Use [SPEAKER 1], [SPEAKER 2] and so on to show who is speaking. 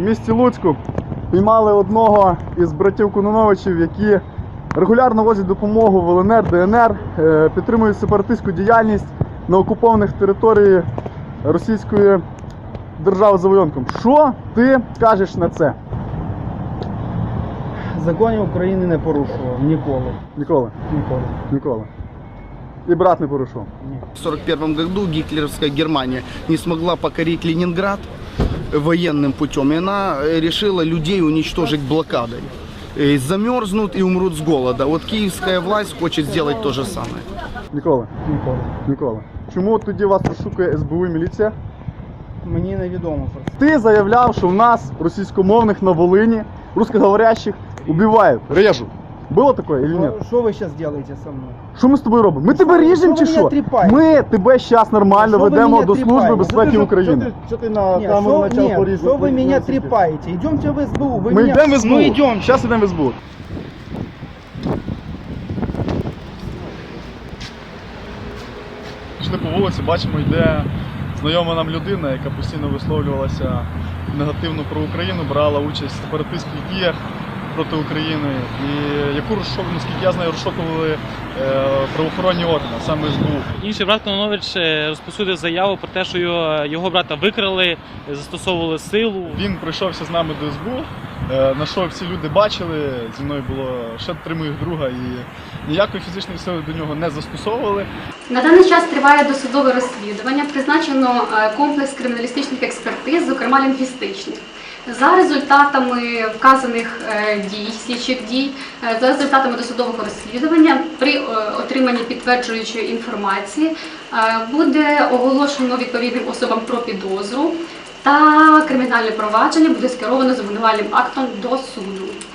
[SPEAKER 1] місті Луцьку піймали одного із братів Кононновичів, які регулярно возять допомогу в ЛНР, ДНР, підтримують сепаратистську діяльність на окупованих територіях Російської держави за воєнком. Що ти кажеш на це?
[SPEAKER 2] Законів України не порушував ніколи.
[SPEAKER 1] Ніколи?
[SPEAKER 2] Ніколи.
[SPEAKER 1] Ніколи. І брат не порушував?
[SPEAKER 2] Ні.
[SPEAKER 3] В 1941 году гитлеровская Германия не смогла покорить Ленинград военным путем, и она решила людей уничтожить блокадой. Замерзнут и умрут с голода. Вот киевская власть хочет сделать то же самое.
[SPEAKER 1] Ніколи?
[SPEAKER 2] Ніколи.
[SPEAKER 1] Ніколи. Чому тоді вас розшукує СБУ і міліція?
[SPEAKER 2] Мені невідомо про це.
[SPEAKER 1] Ти заявляв, що в нас російськомовних на Волині, русскоговорящих, убивають, режуть. Було таке или ні?
[SPEAKER 2] Що ви зараз робите зі мною?
[SPEAKER 1] Що ми з тобою робимо? Ми тебе ріжемо чи
[SPEAKER 2] ви мене
[SPEAKER 1] що?
[SPEAKER 2] тріпаєте?
[SPEAKER 1] Ми тебе зараз нормально
[SPEAKER 2] Що ви
[SPEAKER 1] ведемо
[SPEAKER 2] мене
[SPEAKER 1] до Служби
[SPEAKER 2] тріпаєте?
[SPEAKER 1] безпеки України.
[SPEAKER 4] Что ты на
[SPEAKER 2] Ні,
[SPEAKER 4] камеру
[SPEAKER 2] що,
[SPEAKER 4] начал
[SPEAKER 2] ні,
[SPEAKER 4] порезать?
[SPEAKER 2] що ви мене тріпаєте? Йдемте в СБУ. Ви
[SPEAKER 1] Ми
[SPEAKER 2] мене...
[SPEAKER 1] йдемо в СБУ.
[SPEAKER 2] Ну йдемо.
[SPEAKER 1] Зараз йдемо в СБУ. Пішли по вулиці, бачимо, йде знайома нам людина, яка постійно висловлювалася негативно про Україну, брала участь в сепаратистських діях проти України, і яку наскільки я знаю, розшукували правоохоронні органи, саме СБУ.
[SPEAKER 5] Інший брат Кононнович розпосудив заяву про те, що його брата викрали, застосовували силу.
[SPEAKER 1] Він прийшовся з нами до СБУ, на що всі люди бачили, зі мною було ще 3 моїх друга, і ніякої фізичної сили до нього не застосовували.
[SPEAKER 6] На даний час триває досудове розслідування, призначено комплекс криміналістичних експертиз, зокрема лінгвістичних. За результатами вказаних дій, слідчих дій, за результатами досудового розслідування, при отриманні підтверджуючої інформації буде оголошено відповідним особам про підозру та кримінальне провадження буде скеровано з обвинувальним актом до суду.